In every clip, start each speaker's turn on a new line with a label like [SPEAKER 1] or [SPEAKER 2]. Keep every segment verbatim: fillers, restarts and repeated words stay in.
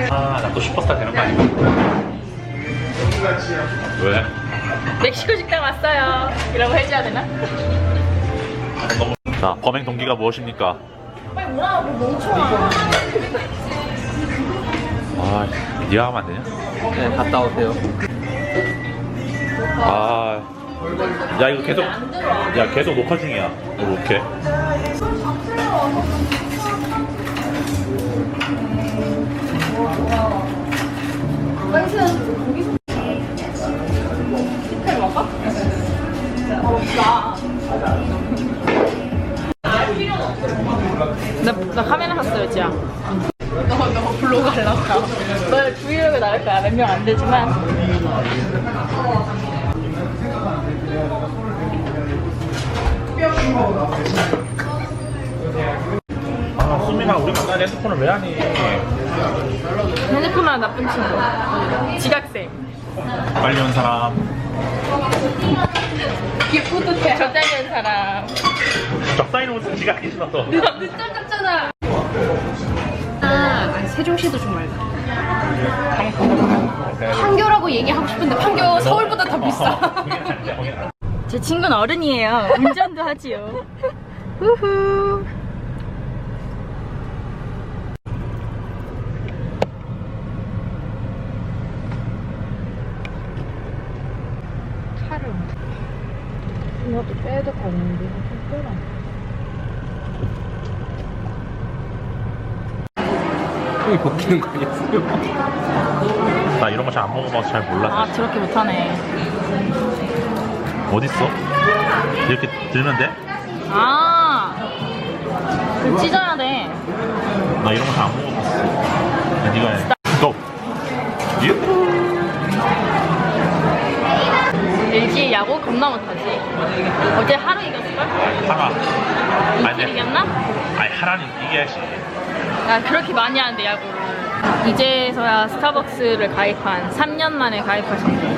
[SPEAKER 1] 아, 나 또 슈퍼스타 되는 거 아닌가? 왜?
[SPEAKER 2] 멕시코 식당 왔어요. 이라고 해줘야 되나?
[SPEAKER 1] 너무... 자, 범행 동기가 무엇입니까?
[SPEAKER 2] 빨리 뭐라 뭐 멍청아.
[SPEAKER 1] 아, 니가 하면 안 되냐?
[SPEAKER 3] 네, 갔다 오세요.
[SPEAKER 1] 아, 야 이거 계속, 야 계속 녹화 중이야. 이거 어떡해?
[SPEAKER 2] 식혜 먹어? 어, 나. 나, 나 카메라 샀어요, 지아. 너, 너 블로그 하려고. 너 브이로그 나갈 거야. 몇 명 안 되지만.
[SPEAKER 1] 아, 수민아, 우리 만난 핸드폰을 왜 하니?
[SPEAKER 2] 핸드폰만 나쁜 친구. 지각생.
[SPEAKER 1] 빨리 온 사람.
[SPEAKER 2] 뿌듯해. 적당히 온 사람.
[SPEAKER 1] 적당히 놓은 지각이 신어서.
[SPEAKER 2] 늦잠 잤잖아. 아, 아니, 세종시도 좀 말고. 판교라고 얘기하고 싶은데 판교 서울보다 더 비싸. 제 친구는 어른이에요. 운전도 하지요. 후후. 차를 이것도 빼도 가는데 좀 빼라.
[SPEAKER 3] 형이 벗기는 거 아니었어요?
[SPEAKER 1] 나 이런 거 잘 안 먹어봐서 잘 몰라.
[SPEAKER 2] 아, 저렇게 못하네.
[SPEAKER 1] 어딨어? 이렇게 들면 돼?
[SPEAKER 2] 아, 그 찢어야 돼.
[SPEAKER 1] 나 이런 거 잘 안 먹어봤어. 야, 니가 해. 고! 유!
[SPEAKER 2] 엘지 야구 겁나 못하지. 어제 하루 이겼을걸?
[SPEAKER 1] 하나.
[SPEAKER 2] 이틀
[SPEAKER 1] 아니,
[SPEAKER 2] 이겼나?
[SPEAKER 1] 아니, 하나는 이겨야지.
[SPEAKER 2] 나 그렇게 많이 하는데 야구를. 이제서야 스타벅스를 가입한 삼 년 만에 가입하셨네.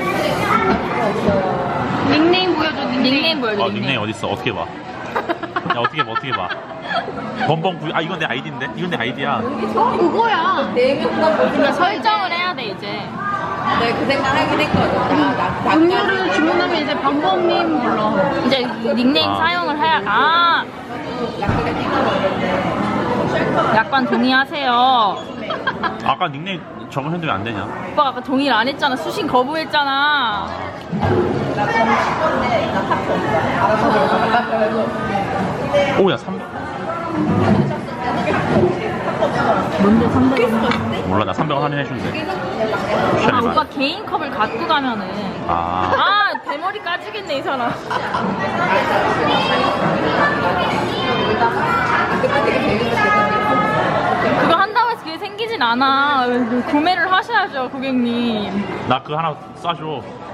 [SPEAKER 2] 닉네임 보여줘. 닉네임, 닉네임 보여줘.
[SPEAKER 1] 어, 닉네임 어딨어? 어떻게 봐? 야, 어떻게 봐, 어떻게 봐. 범범 구이, 아, 이건 내 아이디인데? 이건 내 아이디야.
[SPEAKER 2] 그거야. 그러니까 설정을 해야 돼, 이제.
[SPEAKER 4] 네, 그 생각 하긴 했거든.
[SPEAKER 2] 음료를 주문하면 이제 범범님 불러. 이제 닉네임
[SPEAKER 1] 아.
[SPEAKER 2] 사용을 해야, 아. 약관 동의하세요.
[SPEAKER 1] 아까 닉네임 적으셨는데 왜 안 되냐?
[SPEAKER 2] 오빠가 아까 동의를 안 했잖아. 수신 거부했잖아.
[SPEAKER 1] 오, 야, 삼백.
[SPEAKER 2] 뭔데 삼백 원?
[SPEAKER 1] 몰라, 나 삼백 원 할인해준대.
[SPEAKER 2] 아, 오빠 개인 컵을 갖고 가면은.
[SPEAKER 1] 아.
[SPEAKER 2] 아, 대머리 까지겠네, 이 사람. 그거 한다고 해서 그게 생기진 않아. 구매를 하셔야죠, 고객님.
[SPEAKER 1] 나 그거 하나 쏴줘.